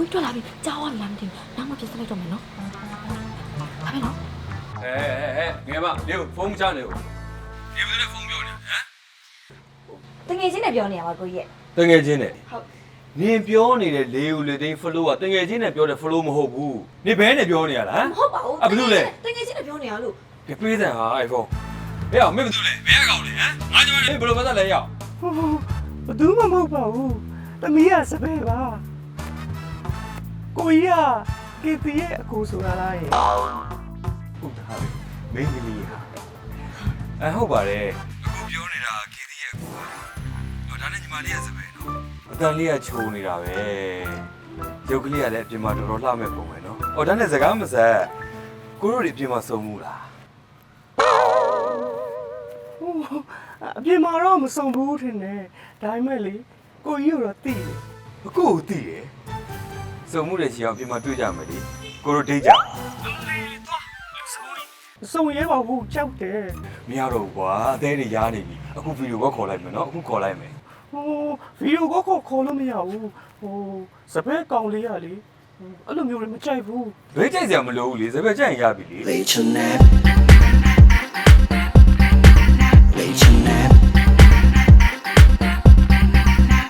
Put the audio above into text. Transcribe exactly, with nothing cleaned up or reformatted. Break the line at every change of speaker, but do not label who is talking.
ကိုကြီးထွက်လာပြီကြားဝါလာမသိဘူးနောက်မှပြစ်စလိုက်တော့မယ်နော်ဒါပဲနော်
အဲအဲငယ်မနေဖုန်းချနေဦးဒီဘယ်နဲ့ဖုန်းပြောနေဟမ်
တငယ်ချင်းနဲ့ပြောနေရမှာကိုကြီးရဲ့
တငယ်ချင်းနဲ့
ဟုတ်
နင်ပြောနေတဲ့လေဦးလေသိန်း flow ကတငယ်ချင်းနဲ့ပြောတဲ့ flow မဟုတ်ဘူးနင်ဘဲနဲ့ပြောနေရလား
မဟုတ်ပါဘူး
အဘလို့လဲ
တငယ်ချင်းနဲ့ပြောနေရလို့
ကပေးစံဟာ iPhone ဟဲ့အောင်မင်းဘာလုပ်လဲဘယ်ကောင်လဲဟမ်ငါကြောင့်လေဘယ်လိုပတ်သက်လဲရောက်
ဟိုဘယ်သူမှမဟုတ်ပါဘူးသမီးကစပယ်ပါကိုကြီးကကေပီရဲ့အကူဆိုတာလားရဲ့
ဟုတ်တာပဲမင်းသမီးဟာအဲဟုတ်ပါတယ်အခုပြောနေတာခေသီးရဲ့ကိုတော့ဒါနဲ့ညီမလေးရဲ့စပယ်နော်အတန်လေးကခြုံနေတာပဲရုပ်ကလေးကလည်းအပြင်မှာတော်တော်လှမဲ့ပုံပဲနော်ဟောဒါနဲ့စကားမဆက်ကိုတို့တွေအပြင်မှာစုံမှုလား
ဟိုအပြင်မှာတော့မစုံဘူးထင်တယ်ဒါပေမဲ့လေကိုကြီးကတော့သိတယ်
အခုသိတယ်စုံမှုတွေချီအောင်အပြင်မှာတွေ့ကြမယ်လေကိုတို့ဒိတ်ကြ
စုံရဲပါဘူးကြောက်တယ်
မရတော့ဘူးကွာအသေးတွေရားနေပြီအခုဗီဒီယိုကောခေါ်လိုက်မယ်နော်အခုခေါ်လိုက်မယ်
ဟိုဗီဒီယိုကောခေါ်ခေါ်လို့မရဘူးဟိုစပယ်ကောင်လေးကလေအဲ့လိုမျိုးတွေမကြိုက်ဘူး
ဘယ်ကြိုက်စရာမလိုဘူးလေစပယ်ကြိုက်ရင်ရပြီလေ
Late tonight. Late tonight.